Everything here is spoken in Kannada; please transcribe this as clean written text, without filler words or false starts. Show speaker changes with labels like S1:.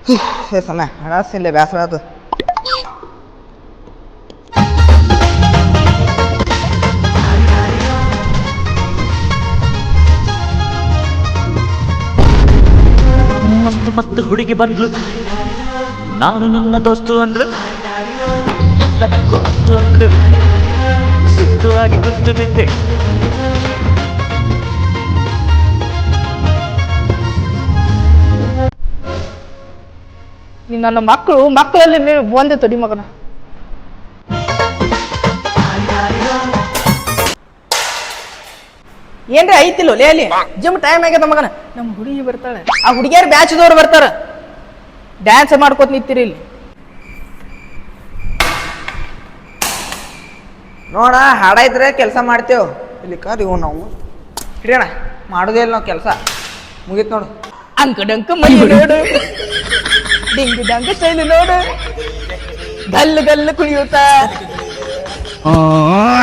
S1: ಸಮಯ ಹಣಸಿಲ್ಲ ಬೇಸರ ಅದು.
S2: ಮತ್ತು ಹುಡುಗಿ ಬಂದ್ಲು. ನಾನು ನನ್ನ ದೋಸ್ತು ಅಂದ್ರು, ಸುತ್ತುವಾಗಿ ಗುರ್ತು ಬಿದ್ದೆ.
S3: ನನ್ನ ಮಕ್ಕಳಲ್ಲಿ ನೀವು ಬಂದೆ ತೊಡಿ ಮಗನ. ಏನ್ರಿ ಐತಿಲ್ಲ ಲೇ ಅಲ್ಲಿ ಜಿಮ್ ಟೈಮ್ ಆಗ್ಯದ ಮಗನ. ನಮ್ಮ ಹುಡುಗಿ ಬರ್ತಾಳೆ, ಆ ಹುಡುಗಿಯರು ಬ್ಯಾಚ್ದವ್ರು ಬರ್ತಾರ, ಡ್ಯಾನ್ಸ್ ಮಾಡ್ಕೋತ ನಿಂತೀರಿ ಇಲ್ಲಿ.
S1: ನೋಡ ಹಾಡ ಇದ್ರೆ ಕೆಲಸ ಮಾಡ್ತೇವ್, ಇಲ್ಲಿ ಕರಿ ನಾವು ಹಿಡಿಯೋಣ. ಮಾಡೋದೇ ಇಲ್ಲ ನಾವು ಕೆಲಸ, ಮುಗೀತು ನೋಡು.
S3: ಅಂಕಡಂಕ ಮೈ ನೋಡು, ಡಿಂಗ್ ಡಂಗ ಸ್ಟೈಲ್ ನೋಡು, ಗಲ್ಲು ಗಲ್ಲು ಕುಣಿಯುತ್ತ